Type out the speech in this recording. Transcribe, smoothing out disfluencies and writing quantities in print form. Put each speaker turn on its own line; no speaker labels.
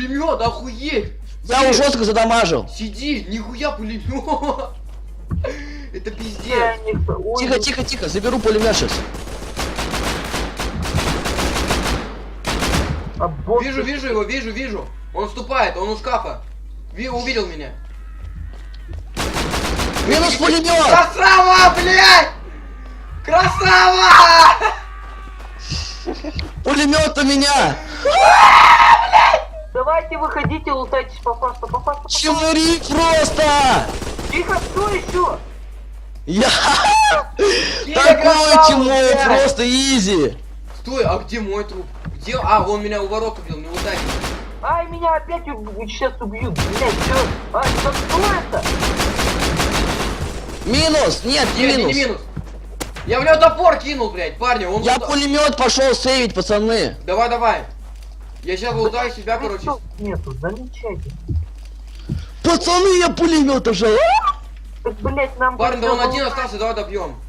Пулемет, охуеть!
Я его жестко задамажил.
Сиди, нихуя пулемет! Это пиздец.
Тихо, тихо, тихо, заберу пулемет сейчас.
Вижу его, вижу. Он вступает, он у шкафа. Увидел меня.
Минус пулемет!
Красава, блядь! Красава!
Пулемет у меня!
Давайте выходите, лутайтесь по фасту.
Чмыри просто!
Тихо, кто еще?
Я
красава,
такой чмо,
блядь!
просто изи!
Стой, а где мой труп? Где? А, он меня у ворот убил, не лутайте.
Ай, меня опять сейчас убьют, блядь, что? Ай, да что это?
Минус! Нет, не
Нет, не
минус!
минус. Я в него топор кинул, блядь, парни. Он
Я пулемет пошел сейвить, пацаны!
Давай. Я сейчас лутаю себя, короче.
Нету, замечайте.
Пацаны, я пулемет ожал!
Так, блядь, нам...
Парни, да он один остался, давай добьем.